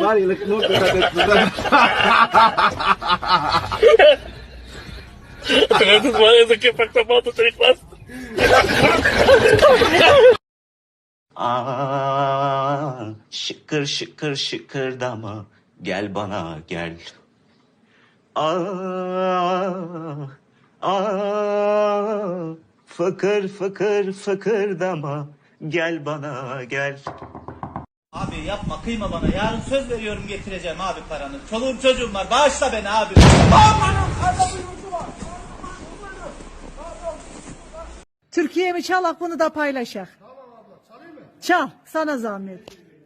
Bari no dikkat Eso que pacta moto, te class. Şıkır şıkır şıkırdama gel bana gel. Fıkır fıkır fıkırdama gel bana gel. Abi yapma kıyma bana. Yarın söz veriyorum getireceğim abi paranı. Çoluğum çocuğum var. Bağışla beni abi. Türkiye'mi çal, bunu da paylaşak. Tamam abla, çalayım mı? Çal, sana zahmet.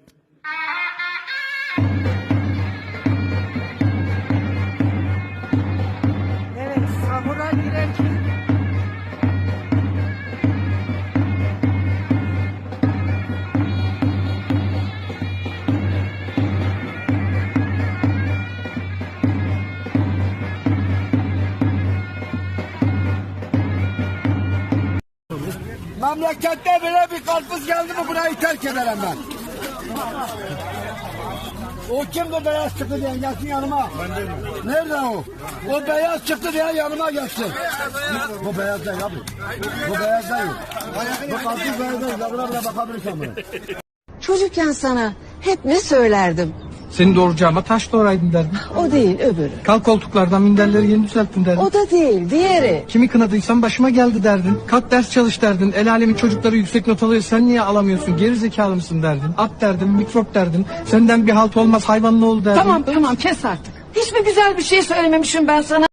Evet, sahura girerken... Memlekette böyle bir karpuz geldi mi burayı terk ederim ben. O kimdi beyaz çıktı diye gelsin yanıma. Nerede o? O beyaz çıktı diye yanıma gelsin. Bu beyaz değil abi. Bu beyaz değil. Bu karpuz beyaz değil. Buna bile bakabilirsin buna. Çocukken sana hep ne söylerdim? Seni doğuracağıma taş doğraydın derdin. O değil, öbürü. Kalk koltuklardan minderleri yeni düzelttin derdin. O da değil, diğeri. Kimi kınadıysam başıma geldi derdin. Kalk ders çalış derdin. El alemin çocukları yüksek not alıyor, sen niye alamıyorsun? Geri zekalı mısın derdin. At derdin, mikrop derdin. Senden bir halt olmaz, hayvan ne oldu derdin. Tamam kes artık. Hiç mi güzel bir şey söylememişim ben sana?